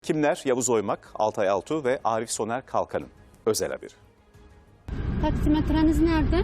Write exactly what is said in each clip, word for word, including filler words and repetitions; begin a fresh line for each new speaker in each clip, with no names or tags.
Kimler? Yavuz Oymak, Altay Altuğ ve Arif Soner Kalkan'ın özel haberi.
Taksimetreniz nerede?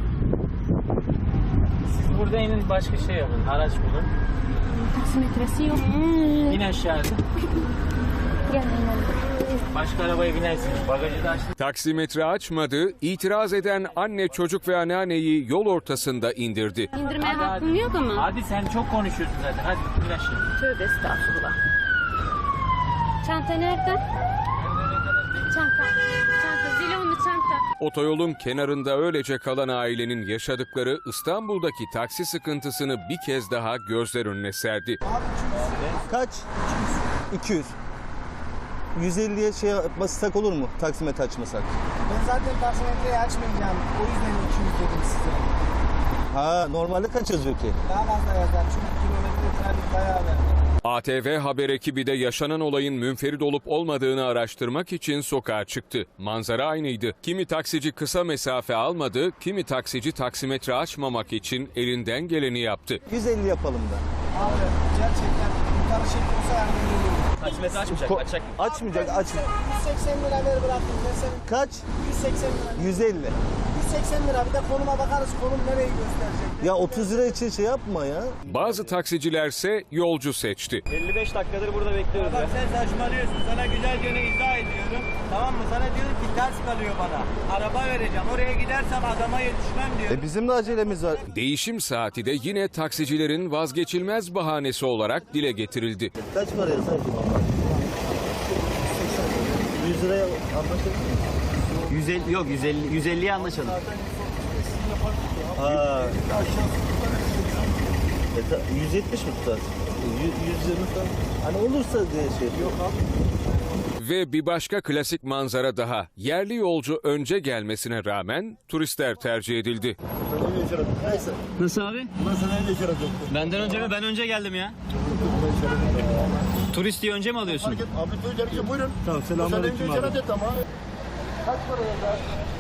Siz burada inin, başka şey yapın, araç bulun.
Taksimetresi yok.
İn aşağıda.
Gel inelim.
Başka arabaya binersiniz. Bagajı da açtım.
Taksimetre açmadı, itiraz eden anne, çocuk ve anneanneyi yol ortasında indirdi.
İndirmeye
Hadi,
hakkım
hadi.
yok ama.
Hadi sen çok konuşuyorsun zaten. Hadi in aşağı.
Tövbe estağfurullah. Çanta nerede? Çanta. Çanta. Zilonlu çanta.
Otoyolun kenarında öylece kalan ailenin yaşadıkları İstanbul'daki taksi sıkıntısını bir kez daha gözler önüne serdi.
Kaç? iki yüz. yüz elliye şey yapmasak olur mu? Taksimetre açmasak.
Ben zaten taksimetreyi açmayacağım. O yüzden iki yüz dedim size.
Ha, normalde kaç yazıyor ki?
Daha fazla yazar. Çünkü kilometre trafik bayağı verdi.
A T V haber ekibi de yaşanan olayın münferit olup olmadığını araştırmak için sokağa çıktı. Manzara aynıydı. Kimi taksici kısa mesafe almadı, kimi taksici taksimetre açmamak için elinden geleni yaptı.
yüz elli yapalım da.
Abi gerçekten yukarı şekli olsa yardım ediyorum.
Taksimetre açmayacak,
Ko-
açacak.
Açmayacak, aç.
yüz seksen lira ver bıraktım. Ben senin
Kaç?
yüz seksen lira.
yüz elli.
yüz seksen lira bir de konuma bakarız. Konum nereyi gösterecek.
Ya otuz lira için şey yapma ya.
Bazı taksicilerse yolcu seçti.
elli beş dakikadır burada bekliyoruz. Bak sen saçmalıyorsun. Sana güzel gene izah ediyorum. Tamam mı? Sana diyorum ki ters kalıyor bana. Araba vereceğim. Oraya gidersem adama yetişmem diyorum.
E bizim de acelemiz var.
Değişim saati de yine taksicilerin vazgeçilmez bahanesi olarak dile getirildi.
Kaç para yazar? yüz liraya anlaşalım mı?
yüz elli yok yüz elli yüz elliye anlaşalım.
Ha. E, ta- yüz yetmiş mi tutar? yüz yirmi falan. Hani olursa diye şey. Yok abi.
Ve bir başka klasik manzara daha. Yerli yolcu önce gelmesine rağmen turistler tercih edildi.
Neyse.
Nasıl abi?
Nasıl neyle işaret yok?
Benden önce mi? Ben önce geldim ya. Turist diye önce mi alıyorsun?
Abi buyurun. Tamam, selamünaleyküm abi.
Kaç para yazar?